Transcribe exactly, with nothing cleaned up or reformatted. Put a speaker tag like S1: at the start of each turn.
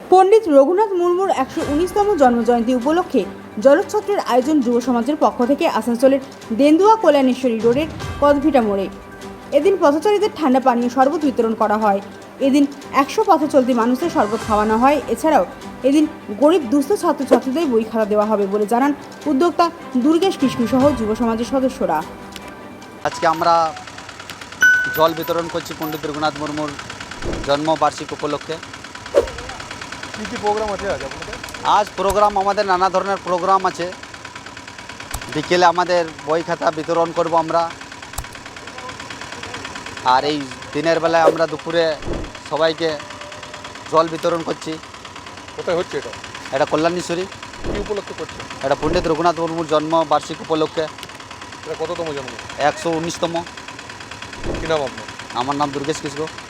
S1: পণ্ডিত রঘুনাথ মুর্মুর একশো উনিশতম জন্মজয়ন্তী উপলক্ষে জলোচ্ছত্রের আয়োজন যুব সমাজের পক্ষ থেকে আসানসোলের দেন্দুয়া কল্যাণেশ্বরী রোডের কদভিটা মোড়ে। এদিন পথচারীদের ঠান্ডা পানীয় শরবত বিতরণ করা হয়। এদিন একশো পথচলতি মানুষের শরবত খাওয়ানো হয়। এছাড়াও এদিন গরিব দুস্থ ছাত্রছাত্রীদের বই খাতা দেওয়া হবে বলে জানান উদ্যোক্তা দুর্গেশ কিস্কু সহ যুব সমাজের সদস্যরা।
S2: আজকে আমরা জল বিতরণ করছি পণ্ডিত রঘুনাথ মুর্মুর জন্মবার্ষিকী উপলক্ষে।
S3: কী কী প্রোগ্রাম আছে আজ আপনাদের?
S2: আজ প্রোগ্রাম আমাদের নানা ধরনের প্রোগ্রাম আছে। বিকেলে আমাদের বই খাতা বিতরণ করব আমরা, আর এই দিনের বেলায় আমরা দুপুরে সবাইকে জল বিতরণ করছি।
S3: কোথায় হচ্ছে এটা?
S2: এটা কল্যাণেশ্বরী।
S3: কী উপলক্ষে করছে?
S2: এটা পণ্ডিত রঘুনাথ মুর্মুর জন্মবার্ষিকী উপলক্ষে
S3: এটা কততম জন্ম?
S2: একশো উনিশতম।
S3: কী নাম আপনার?
S2: আমার নাম দুর্গেশ কিস্কু।